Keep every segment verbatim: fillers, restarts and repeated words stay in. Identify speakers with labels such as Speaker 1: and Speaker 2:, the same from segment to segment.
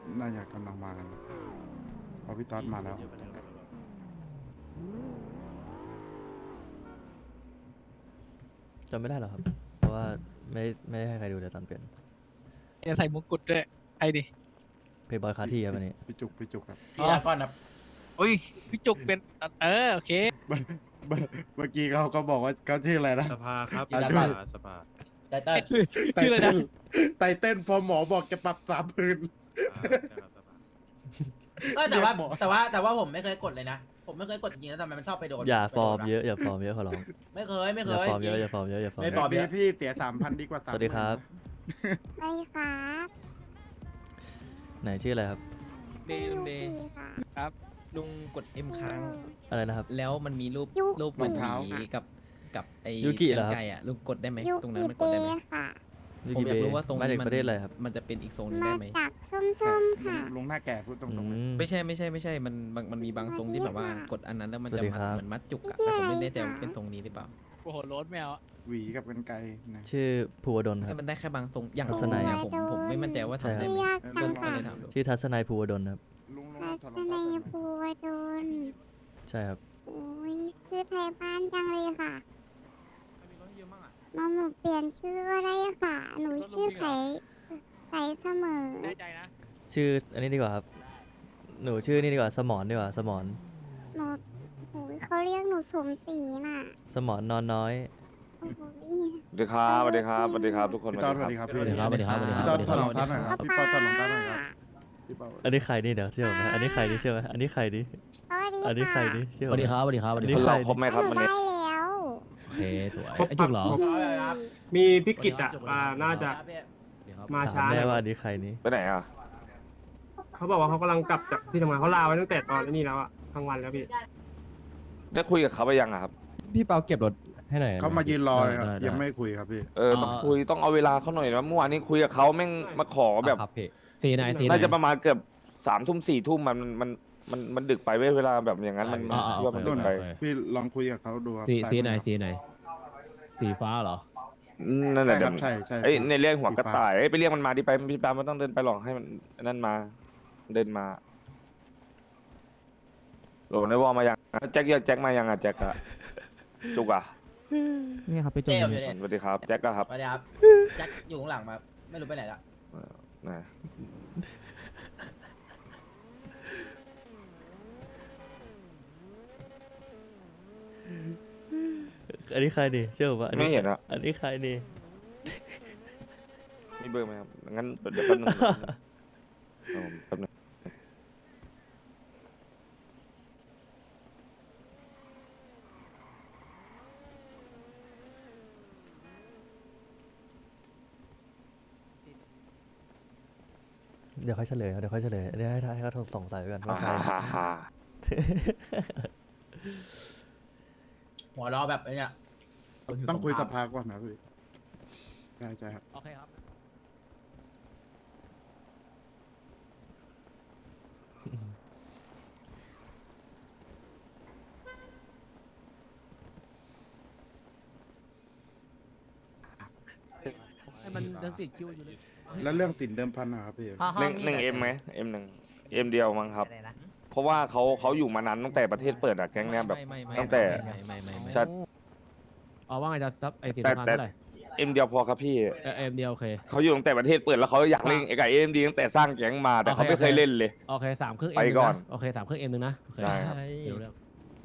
Speaker 1: น่าจะกำลังมากันเพราะพี่ต๊อดมาแล้ว
Speaker 2: จำไม่ได้หรอกครับ เพราะว่าไม่ไม่ได้ให้ใครดูแต่ตอนเปลี่ยน
Speaker 3: จะใส่มงกุฎด้วยไอ้ดิ
Speaker 2: เพย์บอยคาที่ครับวันนี้
Speaker 1: พี่จุกพี่จุกครับ
Speaker 4: พี่อาก่อนนะ
Speaker 3: โอ้ยพี่จุกเป็นเออโอเค
Speaker 1: เมื่อเมื่อเมื่อกี้เขาก็บอกว่าเขาชื่ออะไรนะ
Speaker 5: สภาครับ
Speaker 1: อ่ะ
Speaker 5: ส
Speaker 1: ด้วย
Speaker 5: ภาสภา
Speaker 4: ไตเติ้ล
Speaker 3: ชื่อชื่ออะไรนะ
Speaker 1: ไตเต้นพอหมอบอกจะปรับสามพัน
Speaker 5: อ่าใช่ครับสภา
Speaker 4: เออแต่ว่า
Speaker 1: เรียกหมอ
Speaker 4: แต่ว่าแต่ว่าผมไม่เคยกดเลยนะ ผมไม่เคยกดจริงๆแล้วทำไมมันชอบไปโดน
Speaker 2: อย่า
Speaker 4: ไป
Speaker 2: ฟ
Speaker 4: โด
Speaker 2: อร์
Speaker 4: น
Speaker 2: ม
Speaker 4: วะ
Speaker 2: เยอะอย่าฟอร์มเยอะขอร้อง
Speaker 4: ไม่เคยไม่
Speaker 2: อ
Speaker 4: เค
Speaker 2: ย่าย ฟอร์มเยอะ
Speaker 4: จริง
Speaker 2: อย่าฟอร์มเยอะอย่าฟอร์ม
Speaker 4: ไม่
Speaker 2: เย
Speaker 4: ฟอร์
Speaker 2: อะ
Speaker 4: ม
Speaker 1: พี่พี่เสียสามพันดีกว่าสาม
Speaker 2: สวัสดีครับ
Speaker 6: สวัสดีครับ
Speaker 2: ไหนชื่ออะไรครับ
Speaker 7: เดย์ลุงเดย์
Speaker 6: ยูกิค่ะ
Speaker 7: ลุงกด M ค้าง
Speaker 2: อะไรนะครับ
Speaker 7: แล้วมันมีรูป
Speaker 6: ยู
Speaker 7: รูป
Speaker 6: กิ
Speaker 7: มันหมีกับกับไอ้
Speaker 2: ยูกิเหรอครับ
Speaker 7: ไก่อะลุงกดได้ไหม
Speaker 6: ยู
Speaker 7: ตรงนั้
Speaker 6: กิ
Speaker 7: นมันก
Speaker 6: เป
Speaker 7: ดได้ไหม
Speaker 6: ค่ะ
Speaker 2: ยู
Speaker 7: ผม
Speaker 2: กิ
Speaker 7: อยา
Speaker 2: เบ
Speaker 7: กรู้ว่าทรง
Speaker 2: มาจาก
Speaker 7: มั
Speaker 2: ประเทศอะไรครับ
Speaker 7: มันจะเป็นอีกทรงหนึง
Speaker 6: มา
Speaker 7: ได้ไหม
Speaker 6: จากส้มๆค่ะ
Speaker 1: ลุงหน้าแก่พูดต
Speaker 2: อื
Speaker 1: รงๆเลย
Speaker 2: ม
Speaker 7: ไม่ใช่ไม่ใช่ไม่ใช่มันบางมันมีบางทรงที่แบบว่ากดอันนั้นแล้วมัน
Speaker 2: สวั
Speaker 7: จะ
Speaker 2: สดีครับ
Speaker 7: เหมือนมัดจุกอะแต่ผมไม่แน่ใจว่าเป็นทรงนี้หรือเปล่า
Speaker 3: โอ้โหโรสแมวอะ
Speaker 1: หวีกับกันไกรนะ
Speaker 2: ชื่อภูวดลค
Speaker 7: ให้
Speaker 2: รับ
Speaker 7: มันได้แค่บางทรงอย่าง
Speaker 2: ทัศนัย
Speaker 7: อะผมผมไม่มั่นใจว่าทำได้ไหม
Speaker 6: ยากจั
Speaker 7: ก็
Speaker 6: ง
Speaker 7: ก็
Speaker 6: ค่ะ
Speaker 7: เลยถามดู
Speaker 2: ชื่อทัศนัยภูวดลครับ
Speaker 1: ลุงลุง
Speaker 6: ทั
Speaker 1: ถอด
Speaker 6: ศ
Speaker 1: รอง
Speaker 6: นั
Speaker 1: เท้าย ก่อนไหม
Speaker 6: ภูวดล
Speaker 2: ใช่ครับ
Speaker 6: โอ้ยชื่อไทยบ้านจังเลยค่ะมาหนูเปลี่ยนชื่อก็ได้ค่ะ หนูชื่อไข่ไข่เสมอ
Speaker 3: แน่ใจนะ
Speaker 2: ชื่ออันนี้ดีกว่าครับ หนูชื่อนี่ดีกว่าสมอนดีกว่าสมอน
Speaker 6: หนูโอ้ยเขาเรียกหนูสมศรีน่ะ
Speaker 2: สมอนนอนน้อย
Speaker 6: โอ้โห
Speaker 8: สวัสดีครับสวัสดีครับสวัสดีครับทุกคน
Speaker 1: พี่ต๊อดสวัสดีครับพี่
Speaker 7: สวัสดีครับสวัสดีครับสวัสดี
Speaker 1: พี่
Speaker 7: ค
Speaker 1: ต๊
Speaker 7: รั
Speaker 1: อบ ดถอดรองเท้าหน่อยครับพี่ปอถอดรองเท้าหน่อยครับพี่ปอ
Speaker 2: อันนี้ใครนี่เดี๋ยวเชื่อผมนะอันนี้ใครนี่เชื่อไหมอันนี้ใครนี่
Speaker 6: สวัสดี
Speaker 2: อันนี้ใคร
Speaker 6: ค่ะ
Speaker 2: นี่เชื่อ
Speaker 7: ส
Speaker 2: ผม
Speaker 7: วัสดีครับสวัสดีครับสวัสดี
Speaker 2: อัน
Speaker 7: ค
Speaker 2: นี้
Speaker 7: รับ
Speaker 8: เราครบไหมครับวัน
Speaker 6: ได้
Speaker 8: นี้
Speaker 6: แล้ว
Speaker 7: โอเคสวยไอ้จุกเหรอ
Speaker 5: มีพิกิตอ่ะอ่าน่าจะ มา
Speaker 2: ถา
Speaker 5: ช้าม ห
Speaker 2: แน่
Speaker 5: น่อย
Speaker 2: ว่าอันนี้ใครนี่
Speaker 8: ไปไหนอ่ะ
Speaker 5: เขาบอกว่าเขากำลังกลับจากที่ทำงานเขาลาไว้ตั้งแต่ตอนนี้แล้วอ่ะทั้งวันแล้วพี่
Speaker 8: ได้คุยกับเขาไปยังอะครับ
Speaker 9: พี่เปาเก็บรถให้หน่อย
Speaker 1: เขามายืนรอเลยครับ
Speaker 7: ได้ได้
Speaker 1: ยังไม่คุยครับพี่
Speaker 8: เออต้องคุยต้องเอาเวลาเขาหน่อยนะเมื่อวานนี้คุยกับเขาแม่งมาขอแบบ
Speaker 9: ครับพี่
Speaker 7: สีไหนสีไหน
Speaker 8: น่าจะประมาณเกือบสามทุ่มสี่ทุ่มมันมันมันมันดึกไปเว้ยเวลาแบบอย่างนั้นมัน
Speaker 7: อ่าอ่า
Speaker 8: คิดว่ามัน
Speaker 7: โอ
Speaker 8: ดึก
Speaker 7: เค
Speaker 8: ไป
Speaker 7: โอเค
Speaker 1: พี่ลองคุยกับเขาดูครับ
Speaker 7: สีสีไหน
Speaker 1: ด้
Speaker 7: สีไหน สีฟ้าเหรอ
Speaker 8: อืมนั่นแห
Speaker 1: ใช่
Speaker 8: ละ
Speaker 1: ค
Speaker 8: เดี๋
Speaker 1: รั
Speaker 8: ยว
Speaker 1: บใช่ใช่
Speaker 8: เอ้ยในเรื่องหัว
Speaker 1: สี
Speaker 8: กระ
Speaker 1: ฟ้า
Speaker 8: ต่ายเอ้ยไปเรียกมันมาดิไปพี่ปาไม่ต้องเดินไปหรอกให้มันนั่นมา เดินมาโหลในวอลมายังแจ็คเรียกแจ็คมายังอ่ะแจ็คอะจุกอะ
Speaker 7: นี่ครับพี่จุ
Speaker 4: เต้
Speaker 7: ก
Speaker 4: อยู่เนี่ย
Speaker 8: สวัสดีครับแจ็คอะครับ
Speaker 4: สวัสดีครับแจ็คอยู่ข้างหลังมา ไม่รู้ไปไหนละ
Speaker 8: นะ
Speaker 2: อันนี้ใครนี่เชื่อผมว่าอัน
Speaker 8: ไม่
Speaker 2: นี้
Speaker 8: เห็นอะ
Speaker 2: อันนี้ใครนี่
Speaker 8: มีเบอร์ไหมครับงั้นเดี๋ยวแป๊บนึงเอาแป๊บนึง
Speaker 2: เดี๋ยวค่อยเฉลยครับเดี๋ยวค่อยเฉลยอันนี้ให้ให้เขาสงสัยไว้ก่อนว่าใคร
Speaker 8: ฮ่าฮ่า
Speaker 4: หัวเรอแบบไอ้เนี่ย
Speaker 1: ต้องคุยสภาก่อนนะพี่ใช่ใช่ครับ
Speaker 7: โอเคครับ
Speaker 9: ให้มันยังติดคิวอยู่เลย
Speaker 1: แล้วเรื่องสินเดิมพันนะครับพี่
Speaker 8: หนึ่งหนึ่งเอ็มไหมเอ็มหนึ่งเอ็มเดียวมั้งครับ เพราะว่าเขาเขาอยู่มานานตั้งแต่ประเทศเปิดอะแก๊งเนี้ยแบบ
Speaker 7: ไม่ไม่ไม่
Speaker 8: ตั้งแต่
Speaker 7: ไม่ไม่ไม่ไม่
Speaker 8: ใช่
Speaker 7: อ๋อว่าไงจะซับไอ้สี
Speaker 8: แต่
Speaker 7: น้ำตาล
Speaker 8: แต่
Speaker 7: เท่าไหร่
Speaker 8: เอ็มเดียวพอครับพี่
Speaker 7: เออเอ็มเดียวโอเค
Speaker 8: เขาอยู่ตั้งแต่ประเทศเปิดแล้วเขาอยากเล่นไอ้ไก่เอ็มดีตั้งแต่สร้างแก๊งมาแต่เขาไม่เคยเล่นเลย
Speaker 7: โอเคสามเครื่องเอ็
Speaker 8: ไป
Speaker 7: ม
Speaker 8: ก่อน
Speaker 7: โอเคสามเครื่องเอ็มหนึ่งนะโอเค
Speaker 8: ได้ครับ
Speaker 7: เดี๋ยวเรื่อง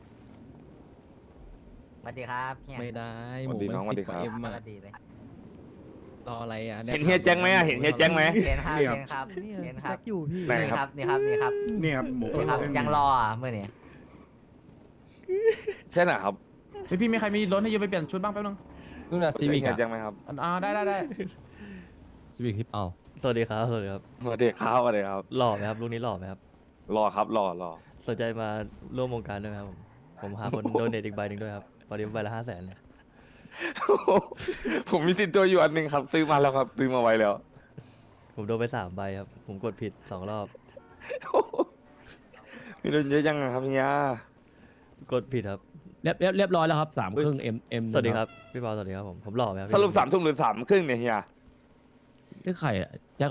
Speaker 4: สวัสดีครับเฮีย
Speaker 7: ไม่ได้
Speaker 8: สวัสดีน้อง
Speaker 7: หมูมัน
Speaker 8: สวัสดีครับ
Speaker 7: สิบกว่า M
Speaker 4: ส
Speaker 7: อะ
Speaker 4: วัสดีเลย
Speaker 7: รออะไรอ่ะ
Speaker 8: เห็นเฮียแจ้งไหมอะเห็นเฮียแจ้งไหม
Speaker 4: เห็นครับ
Speaker 1: นี่ครับ
Speaker 4: เห็นครับเห็นครับ
Speaker 9: อยู่พี่
Speaker 8: ไหน
Speaker 4: นี่
Speaker 8: ค
Speaker 4: ค
Speaker 8: รั
Speaker 4: รับ บนี่ครับนี่ครับ
Speaker 1: นี่ครับหมู
Speaker 4: นี่ครับ
Speaker 1: เล่น
Speaker 4: ยังรออ่ะเมื่อนี้
Speaker 8: ใช่ไหมครับ
Speaker 9: พี่พี่มีใครมีรถให้ยูไปเปลี่ยนชุดบ้างแป๊บนึงนู่นน่ะซีวิก
Speaker 8: เฮีย
Speaker 9: อ่ะ
Speaker 8: แจ้งไหมครับ
Speaker 9: อ่าได้ได้ได้ซีวิกพี่เปา
Speaker 2: สวัสดีครับสวัสดีครับ
Speaker 8: สวัสดีครับสวัสดีครับ
Speaker 2: หล่อไหมครับลูกนี้หล่อไหมครับ
Speaker 8: รอครับรอรอ
Speaker 2: สนใจมาร่วมวงการด้วยไหมครับผมผมหาคน โดเนทอีกใบหนึ่งด้วยครับตอนนี้ใบละห้าแสนเลย
Speaker 8: ผมมีติดตัวอยู่อันหนึ่งครับ ซื้อมาแล้วครับซื้อมาไว้แล้ว
Speaker 2: ผมโดนไปสามใบครับ ผมกดผิดสองรอบ
Speaker 8: มีโดนเยอะยังอะครับเฮีย
Speaker 2: กดผิดครับ
Speaker 7: เรียบเรียบเรียบร้อยแล้วครับสามเครื่องเอ็มเอ็ม
Speaker 2: สวัสดีครับพี่ปอสวัสดีครับผมผมหล่อไหมครับ
Speaker 8: สรุปสามทุ่มหรือสามครึ่งเนี่ยเฮีย
Speaker 7: นี่ใครอ่ะแจ็คเหรอ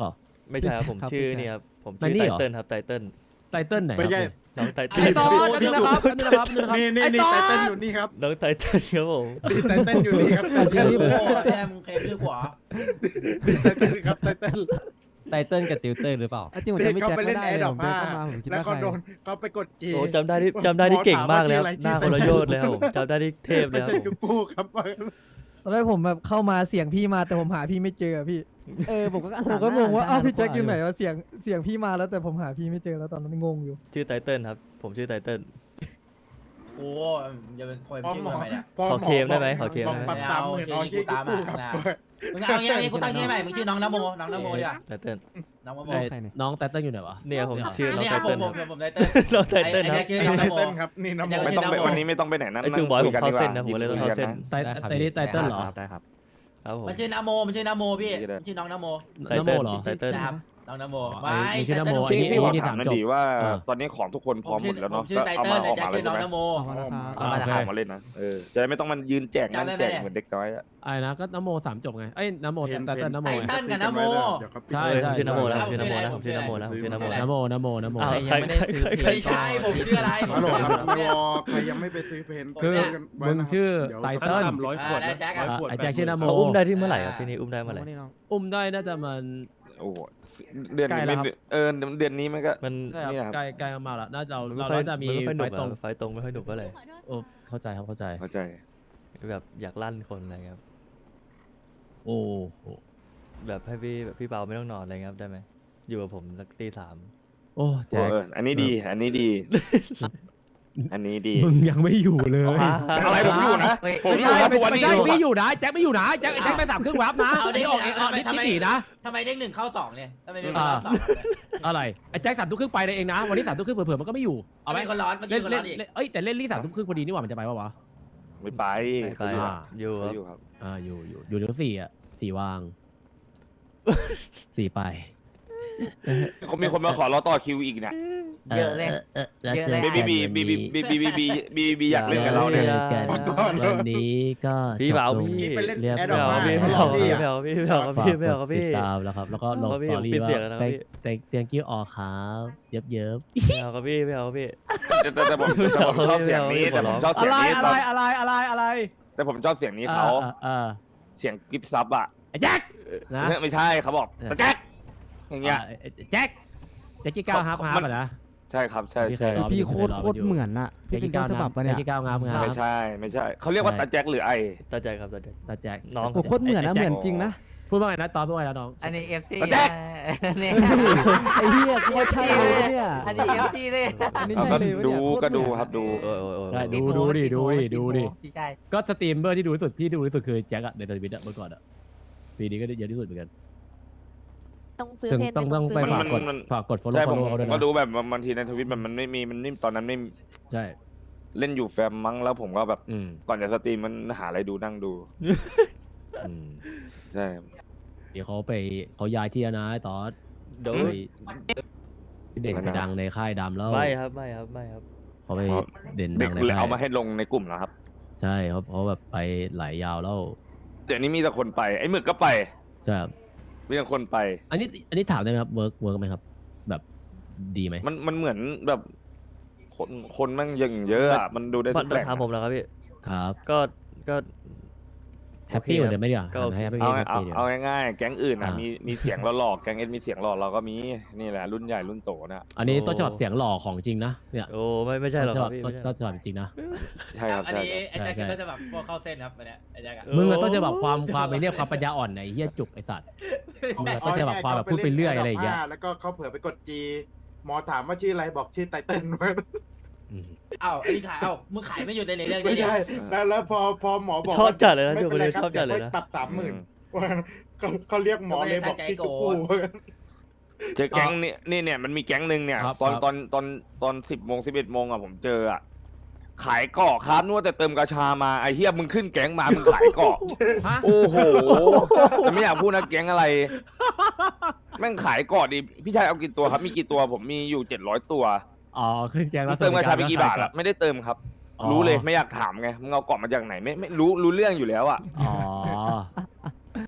Speaker 2: ไม่ใช่ครับผมชื่อนี่ครับผมชื่อ
Speaker 9: ไนนี่
Speaker 2: ไต
Speaker 9: เหรอ
Speaker 2: เติ้ลครับไตเติ้ล
Speaker 9: ไตเติ้ลไหน
Speaker 1: ไม่ใช่
Speaker 2: น้องไต
Speaker 9: ไอ
Speaker 2: เติ้ล
Speaker 9: ตอนนึงนะครับนึงนะครับนึงนะครับนึงนะครับ
Speaker 1: นี่นี่
Speaker 9: ไอ
Speaker 1: นี่
Speaker 9: ตอ
Speaker 1: ไตเติ้ล
Speaker 9: น
Speaker 1: อยู่นี่ครับ
Speaker 2: น้องไตเติ้ลครับผม
Speaker 1: นี่ไตเติ้ลอยู่นี่ครับไต
Speaker 4: แค
Speaker 1: เติ้ล
Speaker 4: มโอ้แคมเคมชื่อขวา
Speaker 1: ไตเติ้ลครับไตเติ้ล
Speaker 7: ไตเติ้ลกับติวเตอร์หรือเปล่า
Speaker 10: จริงผม
Speaker 1: นี่
Speaker 10: จำไม่
Speaker 1: เขา
Speaker 10: แจ็ค
Speaker 1: ไป
Speaker 10: ไม่
Speaker 1: เล่น
Speaker 10: ได้
Speaker 1: แอร์
Speaker 10: เล
Speaker 1: ด
Speaker 10: ย
Speaker 1: อ
Speaker 10: ผ
Speaker 1: ป
Speaker 10: มเดิ
Speaker 1: ผ้าน
Speaker 10: เข้ามาผมคิด
Speaker 1: แล้ว
Speaker 10: ว่า
Speaker 1: ก็
Speaker 10: ใคร
Speaker 1: โดนเขาไปกดจี
Speaker 2: โอ้จำได้ที่จำได้ที่เก่งมากเลยครับ
Speaker 1: หมอ
Speaker 2: หน้า
Speaker 1: ถาม
Speaker 2: คน
Speaker 1: ว่า
Speaker 2: ละ
Speaker 1: ชื่อ
Speaker 2: โย
Speaker 1: อะไร
Speaker 2: ชน์เลยครับผมจำได้ที่เทพเลย
Speaker 1: ไม่
Speaker 2: ครับ
Speaker 1: ใช่
Speaker 2: ผม
Speaker 1: จุกูครับ
Speaker 10: ตอนแรกผมแบบเข้ามาเสียงพี่มาแต่ผมหาพี่ไม่เจอพี่
Speaker 7: เออผมก็
Speaker 10: ผมก็งงว่าอ้าวพี่แจ็คอยู่ไหนวะเสียงเสียงพี่มาแล้วแต่ผมหาพี่ไม่เจอแล้วตอนนั้นงงอยู่
Speaker 2: ชื่อไตเติ้ลครับผมชื่อไตเติ้ล
Speaker 4: โอ้จะเป็นคน
Speaker 1: พอ
Speaker 4: ชื่อ
Speaker 1: หมอ
Speaker 4: ทำไมเนี่ย
Speaker 1: พอ
Speaker 2: ขอ
Speaker 1: หมอ
Speaker 2: เคลมได้ไหมขอเคลม
Speaker 1: บอก
Speaker 2: ได้ไหม
Speaker 1: ปรับสามหมื่นเอาชื่อจุกูครับ
Speaker 4: มึงเอาอย่างงี้กูตั้งชื่อใหม่มึงชื่อน้องนโมน้องนโมดีกว่า
Speaker 2: ไตเติ้ล
Speaker 4: น้องนโม
Speaker 10: ไใครเนี่ย
Speaker 9: น้องไตเติ้ลอยู่ไหนวะ
Speaker 2: เนี่ยผมชื่อน้อง
Speaker 4: นี่
Speaker 2: ไต
Speaker 4: ครับผ
Speaker 2: เติ้
Speaker 4: ม
Speaker 2: ล
Speaker 4: ผม
Speaker 2: ครับ
Speaker 4: ผมไตเติ้ล
Speaker 2: น้องไตเติ้ลครับ
Speaker 4: ไอ้
Speaker 1: ไอ้
Speaker 4: ไอ้
Speaker 1: ไตเติ้ลครับนี่น้ำ
Speaker 4: ไอ้
Speaker 8: ไม่ต้องไป
Speaker 4: ชื่อนะ
Speaker 8: วันนี้ไม่ต้องไปไหนนะ
Speaker 2: ไอ้จุงบอยผมเข้าเส้นนะผมเลยต้องเข้าเส้น
Speaker 9: ไตไอ้นี่ไตเติ้ลเหรอ
Speaker 7: ได้ครับ
Speaker 2: ครับผม
Speaker 4: มันชื่อนโมมันชื่อนโมพี่ชื่อน้องนโม
Speaker 2: ไตเติ้ล
Speaker 9: นโมเหรอ
Speaker 2: ไตเติ้ล
Speaker 4: ครับน้องนโม
Speaker 9: อ๋อไอ้ชื่อนโม
Speaker 4: ไต
Speaker 9: ไอ้
Speaker 4: เติ้ล
Speaker 9: นี่
Speaker 8: พี่พี่ขอ
Speaker 9: นี่
Speaker 8: ถามหนั่น
Speaker 9: สามจบ
Speaker 8: ดีว่า
Speaker 9: เออ
Speaker 8: ตอนนี้ของทุกคนพร้อมหมดแล้วเนาะ
Speaker 4: ผมชื่อ
Speaker 8: ก็
Speaker 4: ไต
Speaker 8: เอา
Speaker 4: เติ้
Speaker 8: มา
Speaker 4: ล
Speaker 8: ออก
Speaker 4: แจ็
Speaker 8: มา
Speaker 4: ค
Speaker 8: เลย
Speaker 4: ชื่อ
Speaker 8: ใช่
Speaker 4: น้อง
Speaker 8: ไหม
Speaker 4: นโม
Speaker 10: เอามาแล้วครับ
Speaker 9: อ่า
Speaker 8: เอา
Speaker 9: โอเค
Speaker 8: ของมาเล่นนะเออจะได้ไม่ต้องมันยืนแจกนั่ง
Speaker 4: จำได้ไหม
Speaker 8: แจก
Speaker 4: เนี่ย
Speaker 8: เหมือนเด็กน้อยอะ
Speaker 9: ไอ้นะก็นโมสามจบไงเอ้ยนโมไตเติ้ลนโม
Speaker 4: ไต
Speaker 9: ไง
Speaker 4: เติ้ลกับนโม
Speaker 9: ใช่
Speaker 2: เออผม
Speaker 9: ใช่
Speaker 2: ชื่อนโมนะผมชื่อนโมนะผมชื่อนโมนะผมชื่อนโมนะ
Speaker 9: นโมนโมนโม
Speaker 2: อ้าว
Speaker 7: ใครยังไม่ได้ซื้อเพลง
Speaker 4: ไม่ใช่ผมชื่ออะไร
Speaker 1: ฮัลโหลครับ
Speaker 4: ผมเนี่ย
Speaker 1: รอใครยังไม่ไปซื้อเพน
Speaker 9: คือ มึงชื่อไตเติ้ล
Speaker 1: ร้อยขวด
Speaker 4: อ่าได้แจ็คอะ
Speaker 9: ไอ้แจ็คชื่อนโม
Speaker 2: เขาอุ้มได้ที่เมื่อไหร่ครับที่นี่อุ้มได้เมื่อไหร่
Speaker 10: นี่น้อง
Speaker 9: อุ้มได้น่าจะมัน
Speaker 8: โอ้โหเดือน
Speaker 9: ใกล้
Speaker 8: นี้
Speaker 9: แล้ว
Speaker 8: ไม่
Speaker 9: ครับ
Speaker 8: เออเดือนนี้มันก็
Speaker 2: มัน
Speaker 9: ใช่ครับ
Speaker 8: เนี่ยครับ
Speaker 9: ใกล้ใกล้มาแล้วน่าจะเรา
Speaker 2: มันไม่
Speaker 9: เรา
Speaker 2: ค่อย
Speaker 9: น่าจะมี
Speaker 2: มันไม่ค่อยหนุก
Speaker 9: ไฟตรง
Speaker 2: อะไฟตรงไม่ค่อยหนุกก็เลย
Speaker 9: โอ้เข้าใจครับเข้าใจ
Speaker 8: เข้าใจ
Speaker 2: แบบอยากลั่นคนอะไรครับ
Speaker 9: โอ้โห
Speaker 2: แบบให้พี่แบบพี่เปาไม่ต้องนอนอะไรเงี้ยครับได้ไหมอยู่กับผมสักตีสาม
Speaker 9: โอ้แจ็ค
Speaker 8: เอออันนี้ดี อันนี้ดี อันนี้ดี
Speaker 9: มึงยังไม่อยู่เลย
Speaker 8: อะไรผมอยู่นะผม
Speaker 9: ไม่
Speaker 8: อยู่
Speaker 9: ใช่
Speaker 8: นะทุ
Speaker 9: ไม่
Speaker 8: กวันนี้
Speaker 9: ใช่
Speaker 8: อยู่
Speaker 9: พี่อยู่นะแจ็คไม่อยู่นะแจ็คแจ็คไปสามครึ่งวับนะ
Speaker 4: เอาดิ
Speaker 9: นี่ออกเองออกนิด
Speaker 4: ทำไม
Speaker 9: นิตินะ
Speaker 4: ทำไมเด้งหนึ่งเข้าสองเนี่ยทำไมไม่เข้าสอง
Speaker 9: อะไรไอ้แจ็คสามทุ่มครึ่งไปเลยเองนะวันนี้สามทุ่มครึ่งเผื่อๆมันก็ไม่อยู่
Speaker 4: เอา
Speaker 9: เอา
Speaker 4: ไห
Speaker 9: ไห
Speaker 4: ม
Speaker 9: ม
Speaker 4: คนร้อนมัน
Speaker 9: เล่
Speaker 4: กิ
Speaker 9: น
Speaker 4: นคน
Speaker 9: เล่
Speaker 4: ร้อน นอีก
Speaker 9: เล่นเอ้ยแต่เล่นลี่สามทุ่มครึ่งพอดีนี่หว่ามันจะไปปะวะ
Speaker 8: ไม่ไป
Speaker 2: ไป
Speaker 8: เขาอยู่
Speaker 2: อ่ะอยู่ครับ
Speaker 8: เขาอยู่ครับ
Speaker 9: อ่าอยู่อยู่อยู่เดี๋ยวสี่อ่ะสี่วางสี่ไป
Speaker 8: เขามีคนมาขอรอต่อคิวอีกเนี่ย
Speaker 7: เยอะเลย
Speaker 9: เยอะเลย
Speaker 8: บีบีบีบีบีบีบีบีบีบีอยากเล่นกับเราเนี่ย
Speaker 9: กันวันนี้ก็
Speaker 2: พี่เปาพี่
Speaker 1: พี่ไปเล่น
Speaker 9: เรียบ
Speaker 1: แอร์ด
Speaker 2: ไม่
Speaker 1: อป
Speaker 2: เอา
Speaker 1: ผ้า
Speaker 2: พี่
Speaker 1: เขา
Speaker 2: ไม่
Speaker 1: หล
Speaker 2: เอา
Speaker 1: อก
Speaker 2: พี่
Speaker 1: พี่
Speaker 2: ไม่
Speaker 1: อะ
Speaker 2: เอาพี่ไม่เอาพี่ไม่เอาครับพี่
Speaker 9: ติดตามแล้วครับ แล้วก็ลง
Speaker 2: เอา
Speaker 9: ส
Speaker 2: พี่
Speaker 9: ตอรี่
Speaker 2: ปิด
Speaker 9: ว่า
Speaker 2: เสียงแล้วนะ
Speaker 9: แต่
Speaker 2: พี่
Speaker 9: แต่เตียงกิ้วออกครับเยิบเยิบ
Speaker 2: ไม่เอาครับพี่ไม่เอาพี่
Speaker 8: แต่แต่แต่ผมแต่ผมชอบเสียงนี้แต่ผมชอบ
Speaker 9: อะ
Speaker 8: เสียง
Speaker 9: ไร
Speaker 8: นี้
Speaker 9: อะไรอะไรอะไรอะไร
Speaker 8: แต่ผมชอบเสียงนี้เขา
Speaker 9: เออ
Speaker 8: เสียงกิฟซับอ่ะ
Speaker 9: ไอ้แจ็คนะ
Speaker 8: ไม่ใช่เขาบอกตะแจ๊กอย่างเงี้ย
Speaker 9: แจ็คแจ็คกี้ก้าวฮับฮับอ่ะนะ
Speaker 8: ใช่ครับใช่
Speaker 9: พี่เค
Speaker 8: ใช่
Speaker 9: ยรอ
Speaker 10: พี่โคตรโคตรเหมือนอะพี่เป็นต้นฉบับปะเนี่ย
Speaker 9: แจ็คกี้ก้าวฮับฮับ
Speaker 8: ไม่ใช่ไม่ใช่เขาเรียกว่าตาแจ๊กหรือไอ
Speaker 2: ตาใจครับตาใจ
Speaker 9: ตาแจ็ค
Speaker 2: น้อง
Speaker 10: โอ้โคตรเหมือนนะเหมือนจริงนะ
Speaker 9: พูดว่าไงนะตอนพูดว่าไงนะน้อง
Speaker 7: อันนี้เอฟซี
Speaker 8: ตาแจ๊ก
Speaker 7: เนี่ย
Speaker 10: ไอ้เหี้ยกูว่าใช่เลยเนี่ย
Speaker 7: อันนี้เอฟซีเลย
Speaker 10: อันนี้
Speaker 8: เอา
Speaker 10: ใช่
Speaker 8: ก็
Speaker 10: เลยวะ
Speaker 8: ดู
Speaker 10: เนี่ยโคต
Speaker 8: ก็
Speaker 10: ร
Speaker 8: ดู
Speaker 10: เหมือน
Speaker 8: ครับดู
Speaker 2: โอ้ยโอ้ยโอ้ย
Speaker 9: ใช่ดูดูดิดูดิดูดิ
Speaker 7: พี่ชาย
Speaker 9: ก็สตรีมเมอร์ที่ดูที่สุดพี่ดูที่สุดคือแจ็คอะในทวิตอะเมื่อก่อนอะปีนี้ก็เยอะที่สุดเหมือนกัน
Speaker 6: ต้องซื้อ
Speaker 9: ถึง
Speaker 6: เพน
Speaker 9: ต้องต้องไป
Speaker 8: มัน
Speaker 9: ฝากกด
Speaker 8: มัน
Speaker 9: ฝากกด follow
Speaker 8: ใช่ผม
Speaker 9: follow เขาด้วย
Speaker 8: ก็
Speaker 9: นะ
Speaker 8: ดูแบบบางทีในทวิตแบบมันไม่มีมันนิ่มตอนนั้นไม่
Speaker 9: ใช่
Speaker 8: เล่นอยู่แฟมมั้งแล้วผมก็แบบ
Speaker 9: อืม
Speaker 8: ก่อนจะสตรีมมันหาอะไรดูนั่งดู
Speaker 9: อืม
Speaker 8: ใช่
Speaker 9: เดี๋ยวเขาไปเขาย้ายที่แล้วนะไอ้ตอส
Speaker 2: เดี๋ยว
Speaker 9: ไปเด่นไปดังในค่ายดำแล้ว
Speaker 2: ไม่ครับไม่ครับไม่ครับ
Speaker 9: เขาไปเด่น
Speaker 8: เด็
Speaker 9: ดั
Speaker 8: ก
Speaker 9: งใน
Speaker 8: เลย
Speaker 9: ค่าย
Speaker 8: เอามาให้ลงในกลุ่มแล้วครับ
Speaker 9: ใช่เขาเขาแบบไปหลายยาวแล้ว
Speaker 8: เดี๋ยวนี้มีแต่คนไปไอ้หมึกก็ไป
Speaker 9: ใช่ครับ
Speaker 8: มีแต่คนไป
Speaker 9: อันนี้อันนี้ถามได้ไหมครับเวิร์กเวิร์กไหมครับ แบบดีไหม
Speaker 8: มันมันเหมือนแบบคนคนแมั่งยังเยอะอะมันดูได้
Speaker 2: มั
Speaker 8: ทุ
Speaker 2: น
Speaker 8: กแหล่ง
Speaker 2: ถามผมแล้วครับพี่
Speaker 9: ครับ
Speaker 2: ก็ก็
Speaker 9: แฮปปี้เหมือน
Speaker 2: โอ
Speaker 9: เดิมไหมดีกว่า
Speaker 2: ก็โอเค
Speaker 9: แฮปปี้
Speaker 8: เอา
Speaker 9: แฮป
Speaker 8: เอา
Speaker 9: ปี้เดียว
Speaker 8: เอาง่ายๆแก๊งอื่นอ่ะ
Speaker 9: อ่ามี
Speaker 8: มีมีเสียงหล่อๆแก๊งเอ็นมีเสียงหล่อเราก็มีนี่แหละรุ่นใหญ่รุ่นโตนะ
Speaker 9: อันนี้ต้นฉบับเสียงหล่อของจริงนะเนี่ย
Speaker 2: โอ้ไม่ไม่ใช่หรอกครับ
Speaker 9: ต้น
Speaker 2: พี่
Speaker 9: ฉบับ
Speaker 2: ไม่ใช่
Speaker 9: ต้นฉบับจริงนะ
Speaker 8: ใช่ครับ
Speaker 4: อัน
Speaker 8: ใช่
Speaker 4: นี้
Speaker 8: ครับ
Speaker 4: ไอ้แจ็ค
Speaker 9: ใช่
Speaker 4: ก็จะแบบพวกเข้าเส้นครับอันเนี้ยไอ้แจ็คอะ
Speaker 9: มึงอะต้นฉบับความความไอ้เนี่ยความปัญญาอ่อนไหนเฮียจุกไอสัตว์ มึงอะ ต้นฉบับความแบบพูดไปเรื่อยอะไรอย่างเงี้ย
Speaker 1: แล้วก็เขาเผื่อไปกดจีหมอถามว่าชื่ออะไรบอกชื่อไตเติ้ล
Speaker 9: อืม
Speaker 4: เอ้าไอ้นี่ขายเอ้ามึงขายไม่หยุดเลยในเรื่อง
Speaker 1: ไม่
Speaker 4: นี้เนี่ย
Speaker 1: ใช่แล้วแล้วพอพอหมอบอก
Speaker 2: ชอบจัดเลยนะ
Speaker 1: ไม่
Speaker 2: จุก
Speaker 1: เป็น
Speaker 2: เล
Speaker 1: ไร
Speaker 2: ย
Speaker 1: ครับ
Speaker 2: ชอบจัดเลยนะ
Speaker 1: ปรับสามหมื่นเขาเขาเรียกหมอเลยบอกชื่อจุกกู
Speaker 8: เจอแก๊งนี่นี่เนี่ยมันมีแก๊งหนึ่งเนี่ย
Speaker 9: ครับ
Speaker 8: ตอน
Speaker 9: ครับ
Speaker 8: ตอนตอนตอนสิบโมงสิบเอ็ดโมงอ่ะผมเจออ่ะขายเกาะครับนวดแต่เติมกระชามาไอ้เฮียมึงขึ้นแก๊งมามึงขายเกาะ
Speaker 9: ฮะ
Speaker 8: โอ้โหแต่ไม่อยากพูดนะแก๊งอะไร แม่งขายเกาะดิพี่ชายเอากี่ตัวครับมีกี่ตัวผมมีอยู่เจ็ดร้อยตัว
Speaker 9: อ๋อขึ้นแกงแล้ว
Speaker 8: เติมกระชาไปกี่บาทอะไม่ได้เติมครับ
Speaker 9: อ๋อ
Speaker 8: รู้เลยไม่อยากถามไงมึงเอาเกาะมาจากไหนไม่ไม่รู้รู้เรื่องอยู่แล้วอ่ะ
Speaker 9: อ๋อ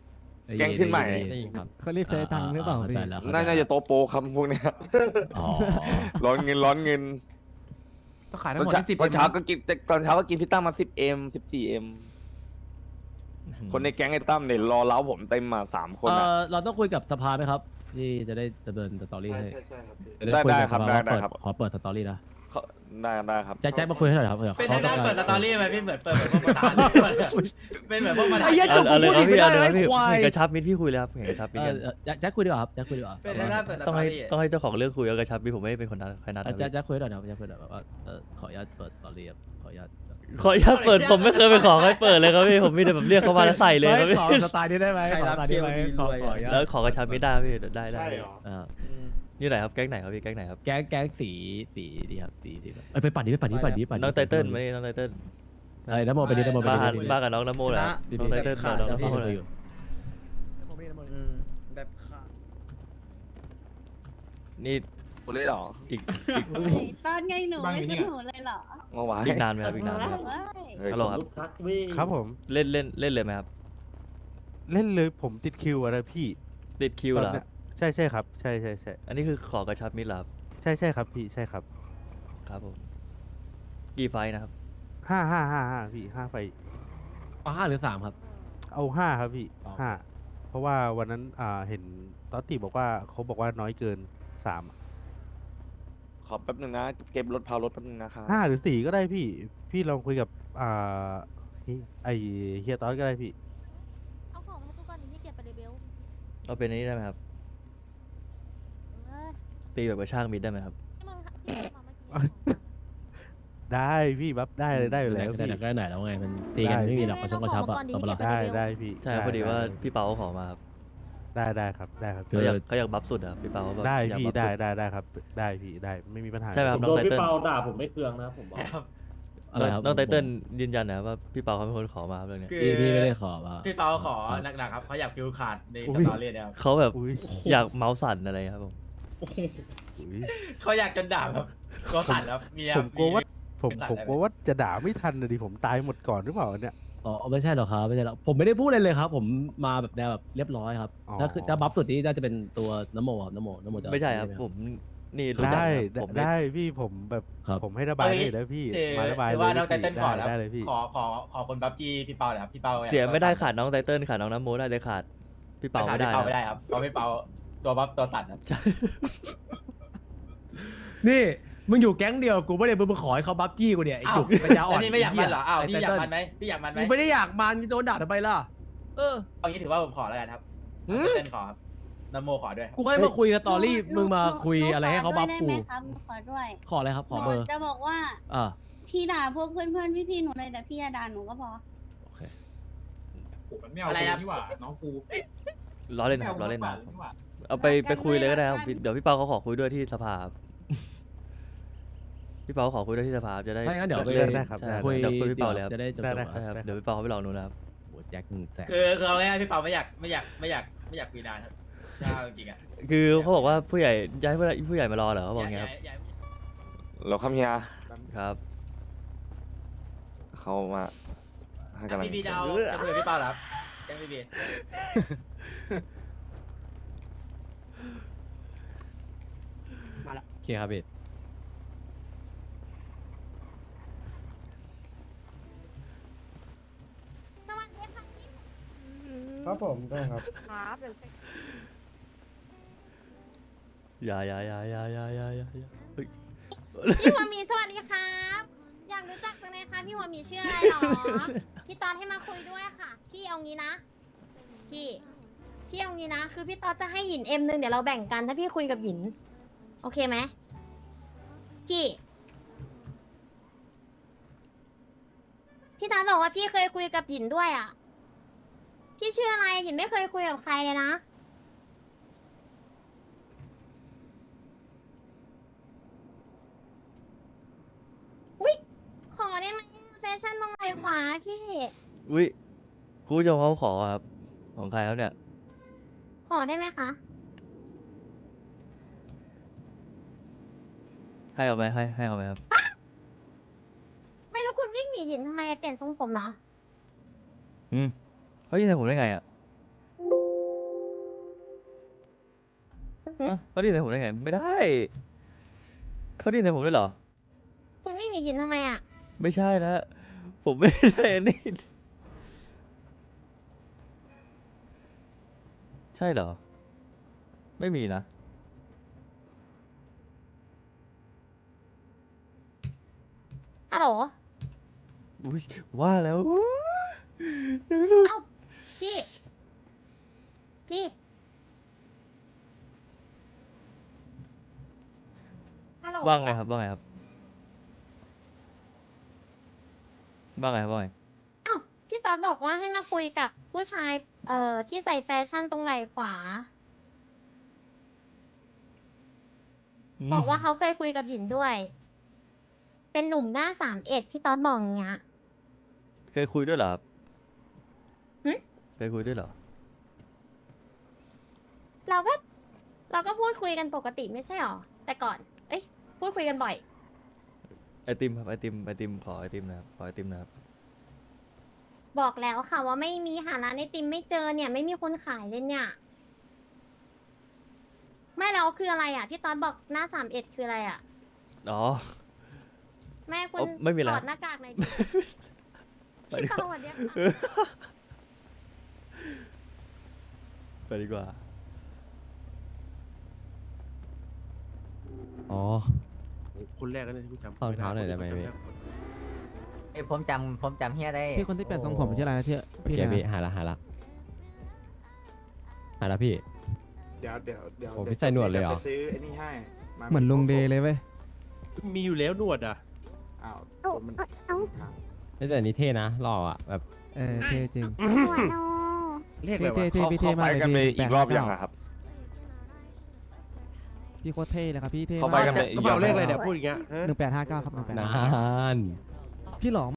Speaker 8: แก๊งขึ้นใหม่
Speaker 9: ได้ยินครับ
Speaker 10: เขารีบใช้ตังค์หรือเปล่า
Speaker 9: เข้า
Speaker 10: พี่
Speaker 9: ใจแล้วเข้ใจ
Speaker 8: น่าน่าจะโตโปครับพวกเนี้ย
Speaker 9: อ๋อ
Speaker 8: ร้อนเงินร้อนเงิน
Speaker 7: ต้องขาย
Speaker 8: ต
Speaker 7: ทั้
Speaker 8: อง น
Speaker 7: หมด
Speaker 8: เช้า
Speaker 7: ที่สิบ
Speaker 8: ตอนเช้าก็กินตอนเช้าก็กินพี่ตั้มมาสิบเอ็มสิบสี่เอ็มคนในแก๊งไอ้ตั้มเนี่ยรอเล้าผมเต็มมาสามคน
Speaker 9: เอ
Speaker 8: อะ
Speaker 9: อเราต้องคุยกับสภาไหมครับ ที่จะได้ดำเนินสตอรี่ให้จะ
Speaker 8: ได้
Speaker 9: คุย
Speaker 8: ได้
Speaker 9: กับ
Speaker 8: ครับ
Speaker 9: สภา
Speaker 8: ได้
Speaker 9: ว่า
Speaker 8: ได้
Speaker 9: เปิด
Speaker 8: ครับ
Speaker 9: ขอเปิดสตอรี่นะ
Speaker 8: เขาได้ได้ครับ
Speaker 9: แจ็คแจ็คมาคุยให้หน่อยครับเผื่อ
Speaker 4: เป็น
Speaker 9: เขา
Speaker 4: ทาง
Speaker 9: ต้
Speaker 4: ด้า
Speaker 9: อน ง
Speaker 4: เปิดสตอรี่ไหมพี่เหมือนเปิดเหมือนพวกประธานเป็นเหมือนพวกประธาน
Speaker 9: ไอ้เหี้ยจุก
Speaker 2: เอาเลย
Speaker 9: พูด
Speaker 2: ครับ
Speaker 9: อีกไม่
Speaker 2: พี่
Speaker 9: ได้
Speaker 2: เอาเลยครับ
Speaker 9: ไอ้
Speaker 2: พี่
Speaker 9: ควาย
Speaker 2: เห็นกระชับมิตรพี่คุยเลยครับเห็นกระชับมิตร
Speaker 9: เอ
Speaker 2: กั
Speaker 9: อน เออแจ็คแจ็คคุยดีกว่าครับแจ็คคุยดีกว่า
Speaker 4: เป็นทางด้านเปิดสต
Speaker 2: ต้อ
Speaker 4: อง
Speaker 2: ให้
Speaker 4: รี่
Speaker 2: ต้องให้เจ้าของเรื่องคุยเอากระชับมิตรผมไม่ได้เป็นคนนัดใครนัด
Speaker 9: อ่ะ
Speaker 2: นะ
Speaker 9: แจ็ค
Speaker 2: พี่
Speaker 9: แจ็คคุยหน่อยนะครับแจ็คคุยหน่อยแบบว่าเออขออนุญาตเปิดสตอรี่ครับขออนุญาต
Speaker 2: ขออนุญาตเปิดผมไม่เคยไปขอให้เปิดเลยครับพี่ผมมีแต่แบบเรียกเขามาแล้วใส่เลยครับ
Speaker 9: ฮ้
Speaker 2: พี่
Speaker 9: ขอสไตล์นี้ได้ไหมขอสไตล์นี้ไหมขอขออนุญาต
Speaker 2: แล้วขอกระชับมิตรได้พี่ได้ได้
Speaker 1: ใช่เหรอ
Speaker 9: อ่า
Speaker 2: นี่ไหนครับแก๊งไหนครับพี่แก๊งไหนครับ
Speaker 9: แก๊งแก๊งสีสีดีครับสีสีเอ้ยไปปั่นดิไปปั่นดิปั่นดิปั่นดิ
Speaker 2: น้องไตเติ้ลมานี่น้องไตเติ้ล
Speaker 9: เอ้ยน้ำโมไปดิน้ำโมไป
Speaker 2: มา
Speaker 9: ดิ
Speaker 2: หัน
Speaker 9: ไปดิ
Speaker 2: มากับน้องน้ำโมเลยครับน้องไตเติ้ลมาน้องน้ำโมเลย
Speaker 9: อยู่
Speaker 7: แบบขาด
Speaker 2: นี่
Speaker 8: กูเลยเหรอ
Speaker 2: อีก
Speaker 6: ตอนไงหนูไม่ขึ้นหนูเลยเหรอ
Speaker 8: เมื่อวาน
Speaker 2: อีกนานไหมครับอีกนานไหมครับ
Speaker 6: เว้ย
Speaker 8: เฮ้ย
Speaker 2: ฮัลโหลครับ
Speaker 1: ครับผม
Speaker 2: เล่นเล่นเล่นเลยไหมครับ
Speaker 1: เล่นเลยผมติดคิวอะนะพี่
Speaker 2: ติดคิวเหรอ
Speaker 1: ตอนนี้ยใช่ใช่ครับ ใช่ใช่ใช่
Speaker 2: อันนี้คือขอกระชับมิตรเหรอครับ
Speaker 1: ใช่ใช่ครับพี่ใช่ครับ
Speaker 2: ครับผมกี่ไฟท์นะครับ
Speaker 1: ห้าห้าห้าห้าพี่ห้าไฟ
Speaker 9: เอาห้าหรือสามครับ
Speaker 1: เอาห้าครับพี่
Speaker 9: อ๋อ
Speaker 1: ห้าเพราะว่าวันนั้นอ่าเห็นตอตติบอกว่าเขาบอกว่าน้อยเกินสาม
Speaker 8: ขอแป๊บนึงนะเก็บรถพารถแป๊บนึงนะครับ
Speaker 1: ห้าหรือสี่ก็ได้พี่ พี่ลองคุยกับอ่าเฮ้ยไอเฮียตอสก็ได้พี่
Speaker 6: เอาของมาให้กูก่อนที่เก็บไปเลยเบล
Speaker 2: เอาเป็นอันนี้ได้ไหมครับ
Speaker 6: เออ
Speaker 2: ตีแบบกระช่างมิตรได้ไหมครับ
Speaker 6: ที่มึงที่มึงมาเมื่อกี้
Speaker 1: ได้พี่บัฟได้เลยได้อยู่แล้ว
Speaker 9: ได้
Speaker 1: พี่
Speaker 9: ได้ได้ไหนแล้วไงมันตีกันไม่มีหรอกกระชับกระชับอะตบหรอก
Speaker 1: ได้ได้พี่
Speaker 2: ใช่ครับพอดีว่า
Speaker 1: ได้
Speaker 2: พี่เปาเขาขอมาครับ
Speaker 1: ได้ได้ครับได้ครับ
Speaker 9: คือ
Speaker 2: เขาอยากเขาอยากบัฟสุดอะครับพี่เปาเขาแบบ
Speaker 1: ได้
Speaker 2: อยาก
Speaker 1: พี่
Speaker 2: บัฟ
Speaker 1: ได้
Speaker 2: สุด
Speaker 1: ได้ได้ครับ ได้พี่ได้ไม่มีปัญหา
Speaker 2: ใช่ไหมครับน้องไตเติ้ล
Speaker 9: อะไรครับ
Speaker 2: น้องไตเติ้ลยืนยันนะว่าพี่เปาเขาเป็นคนขอมาครับเรื่องเนี้ย
Speaker 4: คือ
Speaker 9: พี่พี่ไม่ได้ขอว่า
Speaker 4: พี่เปาขอหนักๆครับเขาอยากฟิลขาดในสตอรี่เนี่ยครับ
Speaker 2: เขาแบบ
Speaker 1: อุ้ย
Speaker 2: อยากเมาส์สั่นอะไรครับผม
Speaker 1: อุ๊ย
Speaker 4: เขาอยากจนด่าแบบก็สั่นครับเมีย
Speaker 1: ผมกลัวว่าผม
Speaker 4: ไม่ตัด
Speaker 1: ผม
Speaker 4: ได้ไหม
Speaker 1: กลัวว่าจะด่าไม่ทันนะดิผมตายหมดก่อนหรือเปล่าเนี่ย
Speaker 9: อ๋อไม่ใช่หรอกครับไม่ใช่หรอกผมไม่ได้พูดเลยเลยครับ ผมมาแบบแนวแบบเรียบร้อยครับ
Speaker 1: อ๋อ
Speaker 9: ถ้าคือถ้าบัฟสุดนี้น่าจะเป็นตัวน้ำโมครับน้ำโมน้ำโมจะ
Speaker 2: ไม่ใช่ครับ
Speaker 9: ห
Speaker 2: ผมนี่รู้จัก
Speaker 1: ได้
Speaker 2: ครับผม
Speaker 1: ได้พี่ผมแบบ
Speaker 9: ครับ
Speaker 1: ผมให้ระบายได้แล้วพี่
Speaker 4: เจอ
Speaker 1: มาระบาย
Speaker 4: หรือ
Speaker 1: เล
Speaker 4: ว่าย น้องไต
Speaker 1: พี่
Speaker 4: เติ้ลขอ
Speaker 1: ได้
Speaker 4: แล้ว
Speaker 1: ได้เลยพี่
Speaker 4: ขอขอขอคนบัฟจี้พี่เปาหน่อยครับพี่เปา
Speaker 2: เสียไม่ได้ขาดน้องไตเติ้ลขาดน้องน้ำโมได้เลยขาดพี่เปาไม่ได้
Speaker 4: พี่เปาไม่
Speaker 2: นะ
Speaker 4: ได้ครับเพราะพี่เปาตัวบัฟตัวสั่นครับ
Speaker 9: นี่มึงอยู่แก๊งเดียวกูไม่ได้มึงมาขอให้เขาบัฟจี้กูเนี่ยไอ้จุกปัญญาอ่อน
Speaker 4: แล้วนี่ไม่อยากมันเหรออ้าว
Speaker 9: ไ
Speaker 4: พี่อยากมัน
Speaker 9: ไตเติ้ล
Speaker 4: ไหมพี่อยากมันไหม
Speaker 9: กูไม่ได้อยากมันโดนด่าทำไมล่ะเออ
Speaker 4: เอางี้ถือว่าผมขอแล้วกันครับ
Speaker 9: หืม
Speaker 4: เต้นขอครับนโมขอด้วยครับ
Speaker 9: กูให้มาคุยสตอรี่
Speaker 6: หนู
Speaker 9: มึงมา
Speaker 6: หนู
Speaker 9: คุยอะไรให้เขาบัฟ
Speaker 6: หนู
Speaker 9: กู
Speaker 6: ขอด้วยได้ไหมครับหนูขอด้วย
Speaker 9: ขออะไรครับขอเบอร์
Speaker 6: หนูจะบอกว่า
Speaker 9: อ่า
Speaker 6: พี่ด่าพวกเพื่อนๆพี่ๆหนูเลยแต่พี่อย่าด่าหนูก็พอ
Speaker 9: โอเค
Speaker 4: อะไรนะ
Speaker 2: ล้อเล่นนะครับล้อเล่นนะครับเอาไปไปคุยเลยก็ได้ครับพี่เดี๋ยวพี่เปาเขาขอคุยด้วยที่สภาครับพี่เปาเขาขอคุยด้วยที่สภาจะได้
Speaker 9: ถ้างั้นเดี๋ยวไป
Speaker 1: ได้ครับ
Speaker 2: ใช่
Speaker 1: ได้
Speaker 9: คุย
Speaker 2: เดี๋ยวคุยพี่เปาเลยครับ
Speaker 9: จะได้จบ
Speaker 1: ได้
Speaker 9: ๆ
Speaker 1: ได้
Speaker 9: อะ
Speaker 2: ใช่ครับเดี๋ยวพี่เปาเขาไปรอหนูนะครับ
Speaker 9: โหแจ็คหนึ่งแสน
Speaker 4: คือคือเอาง่ายๆพี่เปาไม่อยากไม่อยากไม่อยากไม่อยากคุยนานครับถ้าเอาจริงๆอ่ะ
Speaker 2: คือเขาบอกว่าผู้ใหญ่ย้ายผู้ใหญ่ผู้ใหญ่มารอเหรอเขาบอกไงครับ
Speaker 4: ย่าย่า
Speaker 8: เราคำเฮีย
Speaker 2: ครับ
Speaker 8: เขามาให้กำลัง
Speaker 4: พี่พี่จะเอาจะคุยกับพี่เปาเหรอครับแจ้งพี่พี่
Speaker 9: โอเคครับพี่
Speaker 6: สวัสดีค่ะพี่
Speaker 10: ครับผมได้ครับ
Speaker 6: ครับเดี๋ยว
Speaker 2: อย่าอย่าอย่าอย่าอย่าอย่าอย่าอย่าเฮ้ย
Speaker 6: พี่หัวหมีสวัสดีครับ อยากรู้จักจังเลยค่ะพี่หัวหมีชื่ออะไรหรอ พี่ตอนให้มาคุยด้วยค่ะ พี่เอางี้นะ พี่ พี่เอางี้นะ คือพี่ตอนจะให้หยินเอ็มหนึ่งเดี๋ยวเราแบ่งกันถ้าพี่คุยกับหยิน โอเคไหมพี่ พี่ตาบอกว่าพี่เคยคุยกับหยินด้วยอ่ะ พี่ชื่ออะไรหยินไม่เคยคุยกับใครเลยนะ อุ๊ย ขอได้ไหมแฟชั่นตรงไหนขวาพี่
Speaker 2: อุ้ยคุณผู้ชมเขาขอครับของใครครับเนี่ย
Speaker 6: ขอได้ไหมคะ
Speaker 2: ให้เอาไหมให้ให้เอาไหมครับ
Speaker 6: ไม่รู้คุณวิ่งหนีหยินทำไมเปลี่ยนทรงผมเหรอ
Speaker 2: อืมเขายินใส่ผมได้ไงอ่ะอ่ะเขาได้ยินเสียงผมได้ไงไม่ได้เขาได้ยินเสียงผมด้วยเหรอ
Speaker 6: คุณไม่ได้ยินทำไมอ่ะ
Speaker 2: ไม่ใช่นะผมไม่ได้อันนี้ใช่เหรอ ไม่มีนะ
Speaker 6: ฮัลโหล
Speaker 2: อุ๊ยว่าแล้ว
Speaker 6: เอ้า พี่ พี่ ฮัลโหล
Speaker 2: ว่าไงครับว่าไงครับว่าไงครับว่าไง
Speaker 6: อ้าวพี่ตอดบอกว่าให้มาคุยกับผู้ชาย เอ่อ ที่ใส่แฟชั่นตรงไหล่ขวา บอกว่าเขาเคยคุยกับหยินด้วย เป็นหนุ่มหน้าสามเอ็ดพี่ตอดบอกอย่างเงี้ย
Speaker 2: เคยคุยด้วยเหรอครับ
Speaker 6: หึ
Speaker 2: เคยคุยด้วยเหรอ
Speaker 6: เราก็ เราก็พูดคุยกันปกติไม่ใช่หรอ แต่ก่อน เอ้ย พูดคุยกันบ่อย
Speaker 2: ไอติมครับไอติมไอติมขอไอติมนะครับขอไอติมนะครับ
Speaker 6: บอกแล้วค่ะว่าไม่มีหาร้านไอติมไม่เจอเนี่ย ไม่มีคนขายเลยเนี่ย ไม่แล้วคืออะไรอ่ะ พี่ตอนบอกหน้าสามเอ็ดคืออะไรอ่ะ
Speaker 2: อ๋อ
Speaker 6: แม่คุ
Speaker 2: อ๋
Speaker 6: ณ
Speaker 2: อไม่มีอะไร
Speaker 6: ถอดหน้ากากหน่อยดิ
Speaker 2: ไปดี
Speaker 6: พี่
Speaker 2: ก
Speaker 6: ตอน
Speaker 2: ว่า
Speaker 6: สวัสดีค่ะ
Speaker 2: ไปดีกว่า
Speaker 9: อ๋อ
Speaker 5: คนแรกก็ได้ที่พี่จำ
Speaker 9: ขอรองเท้าหน่อยได้ไหมพี่
Speaker 11: เอ้ยผมจำผมจำเฮียได้
Speaker 10: พี่คนที่เปลี่ยนทรงผมชื่ออะไรนะที่
Speaker 9: พี่
Speaker 10: พี่
Speaker 9: เดี๋ยว
Speaker 10: นะ
Speaker 9: พี่หาละหาละหาละพี่
Speaker 8: เดี๋ยวเดี๋ยวเดี๋ยว
Speaker 9: โอ้พี่ใส่หนวดเลยเหรอ
Speaker 8: ไปซื้อไอ้นี่ให้
Speaker 10: เหมือนลุงเดย์เลยเว้ย
Speaker 5: มีอยู่แล้วหนวดอ่ะ
Speaker 8: อ้าว
Speaker 6: เอา
Speaker 8: มัน
Speaker 6: เอา
Speaker 9: แต่อันนี้เท่นะหล่ออ่ะแบบ
Speaker 10: เออเท่จริง
Speaker 6: หัวโน
Speaker 5: เรียกอะไร
Speaker 10: เท่
Speaker 5: วะ
Speaker 10: เท่พี่เท่
Speaker 8: เขา
Speaker 10: มา
Speaker 8: ไฟ
Speaker 10: กเลย
Speaker 8: กันไป
Speaker 10: พี่
Speaker 8: อีกรอบยังอะครับ
Speaker 10: พี่โคตรเท่เลยครับพี่เท่
Speaker 8: เขาไฟ
Speaker 10: มาก
Speaker 8: กันไป
Speaker 5: กระเป๋าเลขอะไรเนี่ยพูดอย่างเงี้ยฮะ
Speaker 10: หนึ่งแปดห้าเก้าครับหนึ่งแปด
Speaker 9: นาน
Speaker 10: พี่หลอม